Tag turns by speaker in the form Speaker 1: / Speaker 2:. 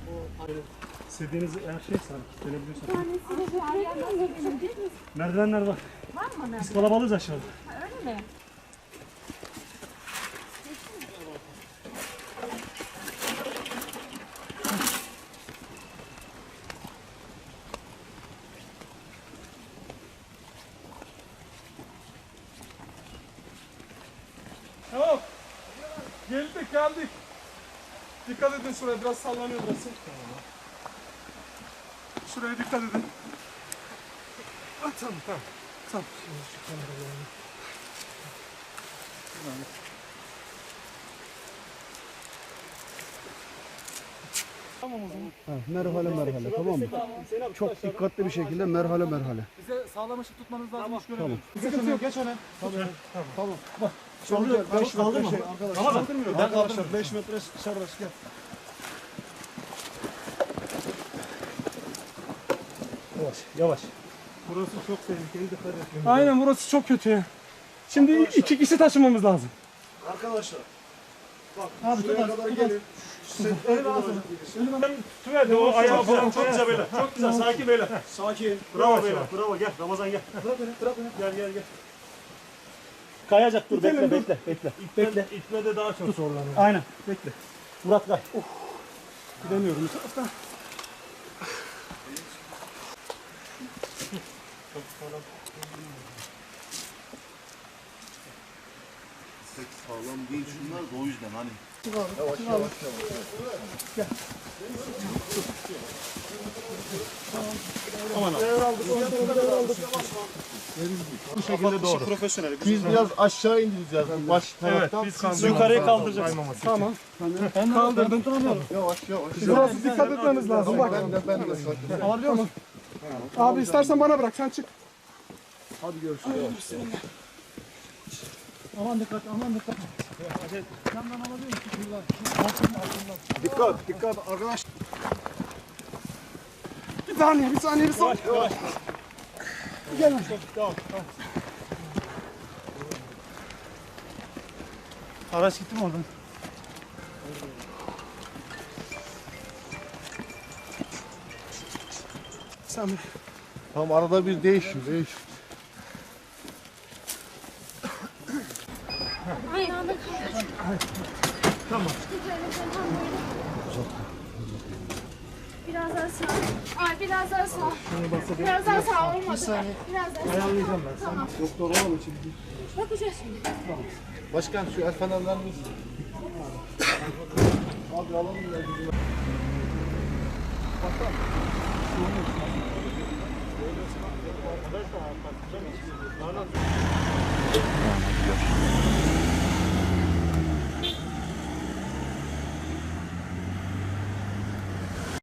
Speaker 1: İstediğiniz her şey sana gelebiliyorsan. Merdivenler var.
Speaker 2: Var mı?
Speaker 1: Biz kalabalığız aşağıda.
Speaker 2: Öyle mi?
Speaker 3: Tamam. Geldik. Dikkat edin şuraya, biraz sallanıyor burası. Şuraya dikkat edin. Tamam. Şimdi şu kamerayı alayım. Tamam o zaman.
Speaker 4: Merhale tamam mı? Çok dikkatli bir şekilde merhale.
Speaker 3: Bize sağlam ışık tutmanız lazım. Tamam.
Speaker 4: Tamam.
Speaker 3: Sıkıntı yok, geç öne.
Speaker 4: Tamam.
Speaker 1: Çalıyor.
Speaker 4: 5 metre şey arkadaşlar.
Speaker 3: Kaldırmıyor.
Speaker 4: Arkadaşlar 5 metre serbest gel.
Speaker 1: Yavaş. Burası çok tehlikeli, dikkat edin.
Speaker 3: Aynen, burası çok kötü ya. Şimdi 2 kişi taşımamız lazım.
Speaker 4: Arkadaşlar. Bak
Speaker 3: Abi,
Speaker 4: şuraya kadar gelin.
Speaker 1: Tutuverdi o ayağı falan çok güzel beyler. Çok güzel, sakin beyler.
Speaker 4: Sakin.
Speaker 1: Bravo beyler, bravo gel. Ramazan gel. Gel. Kayacak dur, bekle. İtme de daha çok zorlanıyor. Aynen, bekle. Murat kay.
Speaker 3: Gidemiyorum bu taraftan.
Speaker 5: Pek sağlam değil şunlar da o yüzden hani.
Speaker 4: Yavaş.
Speaker 1: Bu şekilde doğru.
Speaker 5: Profesyonel. Biz biraz aşağı indireceğiz bu baş taraftan.
Speaker 1: Biz yukarıya kaldıracağız.
Speaker 3: Tamam. Kaldırdım.
Speaker 5: Yavaş.
Speaker 3: Biraz dikkat etmeniz lazım. Bak.
Speaker 5: Ben de sakin.
Speaker 3: Alabiliyor musun? Abi istersen bana bırak, sen çık.
Speaker 4: Hadi görüşürüz.
Speaker 3: Aman dikkat.
Speaker 4: Dikkat arkadaş.
Speaker 3: Bir saniye.
Speaker 1: Yavaş.
Speaker 3: Gel.
Speaker 1: Tamam. Araç gitti mi oradan?
Speaker 3: Sen
Speaker 5: Tamam, arada bir değiş.
Speaker 2: Ayağını
Speaker 1: Tamam.
Speaker 2: biraz daha sağ. Ay biraz daha sağ. Biraz daha sağ olmadı. Biraz daha sağ.
Speaker 1: Ayarlayacağım ben.
Speaker 2: Tamam.
Speaker 4: Doktor olalım için.
Speaker 2: Bakacağız şimdi.
Speaker 5: Başkan şu el fenerlerimiz.
Speaker 4: Abi alalım ya bizim.